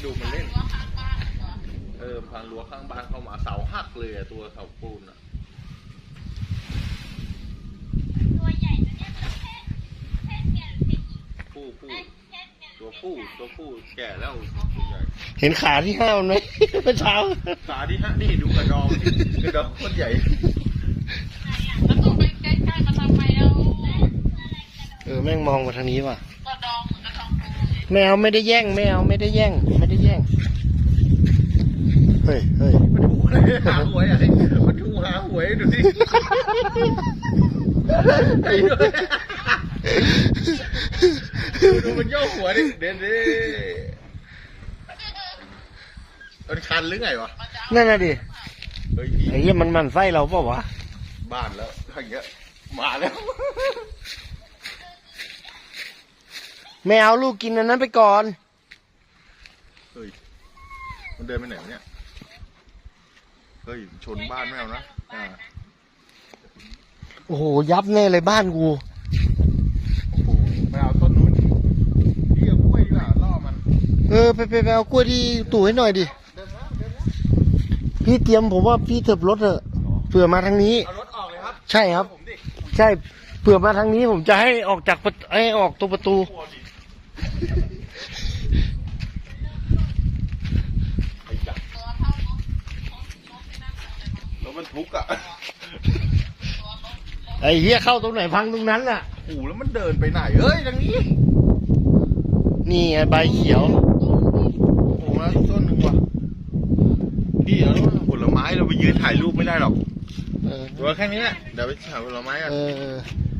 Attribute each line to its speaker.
Speaker 1: ดูมันเล่นพังรั้วข้างบ้านเข้ามาเสาหักเลยตัวเสาปูน
Speaker 2: ตัวใหญ่ตัวเนี้ยเพศเมียหรือเพศหญิง
Speaker 1: ตัวผู้แก่แล้วใหญ่
Speaker 3: เห็นขาที่ห้ามันไหมเมื่อเช้า
Speaker 1: ขาที่ห้านี่ดูกระดองโคตรใหญ่
Speaker 2: แล้วตัวไปใกล้ๆมาทำไมเอา
Speaker 3: แม่งมองมาทางนี้ว่ะ
Speaker 2: กระดองเหมือนกระดองปู
Speaker 3: แมวไม่ได้แย่งไม่ได้แย่งเฮ้ย
Speaker 1: มันถูกเลยหาหวยอะไรมันถูกหาหวยดูสิไอ้ด้วยดูมันย่อหัวดิเด่นดิมันคันหรือไงวะ
Speaker 3: นั่นน่ะดิไอ้เหี้ยมันไส้เราเปล่าวะ
Speaker 1: บ้านแล้วอย่างเงี้ยมาแล้ว
Speaker 3: ไม่เอาลูกกินอันนั้นไปก่อน
Speaker 1: เฮ้ยมันเดินไปไหนเนี่ยเฮ้ยชนบ้านไม่เอานะ
Speaker 3: โอ้โหยับแน่เลยบ้านกู
Speaker 1: โอ้โหไม่เอาต้นนู้นพี่เอากล้วยดีกว่าล่อมัน
Speaker 3: ไปเอากล้วยที่ตู่ให้หน่อยดิพี่เตรียมผมว่าพี่เถิบรถเถอะเผื่อมาทางนี้
Speaker 1: เอารถออกเลยครับ
Speaker 3: ใช่ครับใช่เผื่อมาทางนี้ผมจะให้ออกจากให้ออกตัวประตู
Speaker 1: รถมันทุกข์อ่ะ
Speaker 3: ไอ้เหี้ยเข้าตรงไหนพังตรงนั้นน่ะ
Speaker 1: โอ้แล้วมันเดินไปไหนเอ้ยทางนี้
Speaker 3: นี่ไงใบเขียว
Speaker 1: โอ้แล้วต้นหนึ่งว่ะพี่เอาผลไม้เราไปยืนถ่ายรูปไม่ได้หรอกตัวแค่นี้เดี๋ยวไปถ่ายผลไม้กัน